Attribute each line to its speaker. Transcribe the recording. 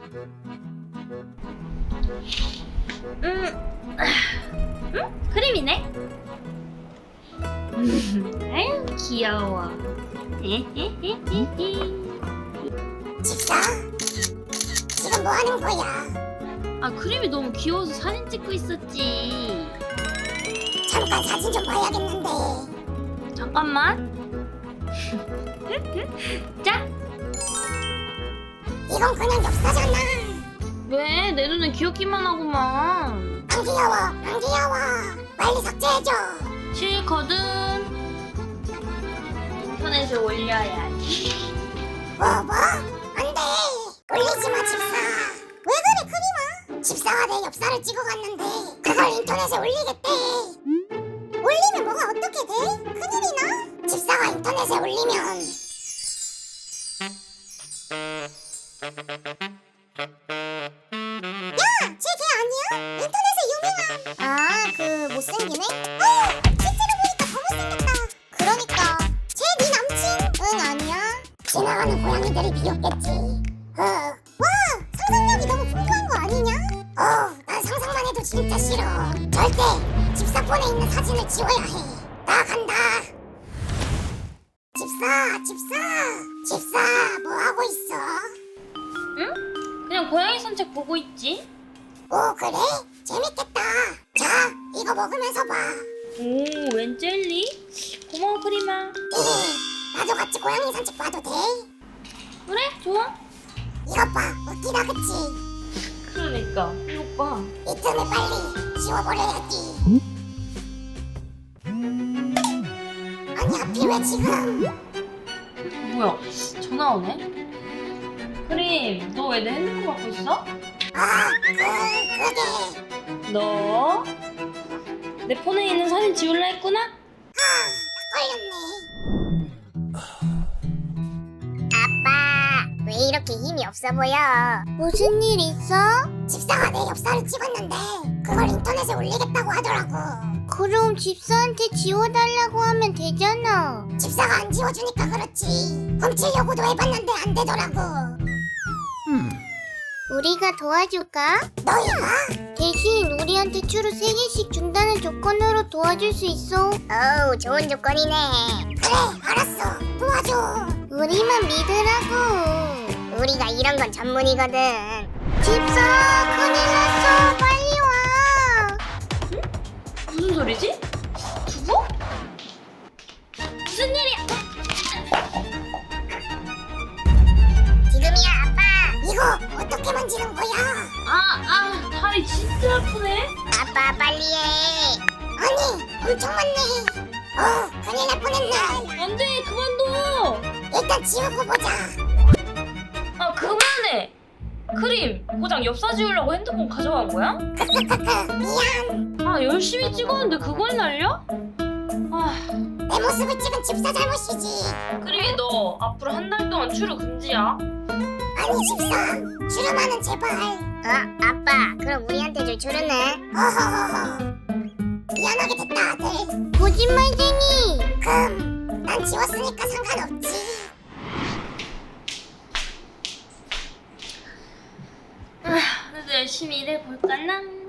Speaker 1: 크림이네? 아유 귀여워.
Speaker 2: 집사, 지금 뭐 하는 거야?
Speaker 1: 아 크림이 너무 귀여워서 사진 찍고 있었지.
Speaker 2: 잠깐 사진 좀 봐야겠는데.
Speaker 1: 잠깐만. 자,
Speaker 2: 이건 그냥 엽사잖아.
Speaker 1: 왜 내 눈에 귀엽기만 하구만.
Speaker 2: 안 귀여워, 안 귀여워. 빨리 삭제해줘.
Speaker 1: 싫거든. 인터넷에 올려야지.
Speaker 2: 뭐? 안 돼. 올리지 마, 집사. 왜 그래, 크림아? 집사가 내 엽사를 찍어갔는데 그걸 인터넷에 올리겠대. 올리면 뭐가 어떻게 돼? 큰일이나? 집사가 인터넷에 올리면 야! 쟤 걔 아니야? 인터넷에 유명한 아, 그 못생기네? 실제로 보니까 더 못생겼다. 그러니까 쟤 네 남친? 응, 아니야. 지나가는 고양이들이 비웃겠지. 와! 상상력이 너무 풍부한 거 아니냐? 난 상상만 해도 진짜 싫어. 절대 집사폰에 있는 사진을 지워야 해. 나 간다. 집사 뭐 하고 있어?
Speaker 1: 응? 그냥 고양이 산책 보고 있지.
Speaker 2: 오, 그래? 재밌겠다. 자, 이거 먹으면서 봐.
Speaker 1: 오, 웬 젤리? 고마워 크림아.
Speaker 2: 나도 같이 고양이 산책 봐도 돼?
Speaker 1: 그래, 좋아.
Speaker 2: 이것 봐, 웃기다 그치?
Speaker 1: 그러니까 이거 봐.
Speaker 2: 이 틈을 빨리 지워버려야지. 아니, 하필 왜 지금?
Speaker 1: 뭐야? 전화 오네. 크림, 너 왜 내 핸드폰 갖고 있어?
Speaker 2: 그게
Speaker 1: 너? 내 폰에 있는 사진 지울라 했구나?
Speaker 2: 걸렸네. 아빠, 왜 이렇게 힘이 없어 보여? 무슨 일 있어? 집사가 내 엽사를 찍었는데 그걸 인터넷에 올리겠다고 하더라고.
Speaker 3: 그럼 집사한테 지워달라고 하면 되잖아.
Speaker 2: 집사가 안 지워주니까 그렇지. 훔치려고도 해봤는데 안 되더라고.
Speaker 3: 우리가 도와줄까?
Speaker 2: 너희가?
Speaker 3: 대신 우리한테 추루 3개씩 준다는 조건으로 도와줄 수 있어.
Speaker 2: 어우, 좋은 조건이네. 그래, 알았어. 도와줘.
Speaker 3: 우리만 믿으라고.
Speaker 2: 우리가 이런 건 전문이거든.
Speaker 3: 집사, 큰일 났어. 빨리 와.
Speaker 1: 무슨 소리지? 두부? 무슨 일이야?
Speaker 2: 지금이야, 아빠. 이거 어떻게 만지는 거야?
Speaker 1: 다리 진짜 아프네.
Speaker 2: 아빠, 빨리 해. 아니, 엄청 많네. 큰일 날 뻔했네.
Speaker 1: 안 돼, 그만둬.
Speaker 2: 일단 지우고 보자.
Speaker 1: 아, 그만해. 크림, 고장 엽사 지우려고 핸드폰 가져간 거야?
Speaker 2: 크크크크, 미안.
Speaker 1: 아, 열심히 찍었는데 그걸 날려? 아,
Speaker 2: 내 모습을 찍은 집사 잘못이지.
Speaker 1: 크림이 너 앞으로 한 달 동안 출루 금지야.
Speaker 2: 아니, 집사. 주름아는 제발. 아빠, 그럼 우리한테 줄 주르네. 어허허허. 미안하게 됐다, 아들.
Speaker 3: 거짓말쟁이.
Speaker 2: 난 지웠으니까 상관없지.
Speaker 1: 오늘도 열심히 일해볼까나?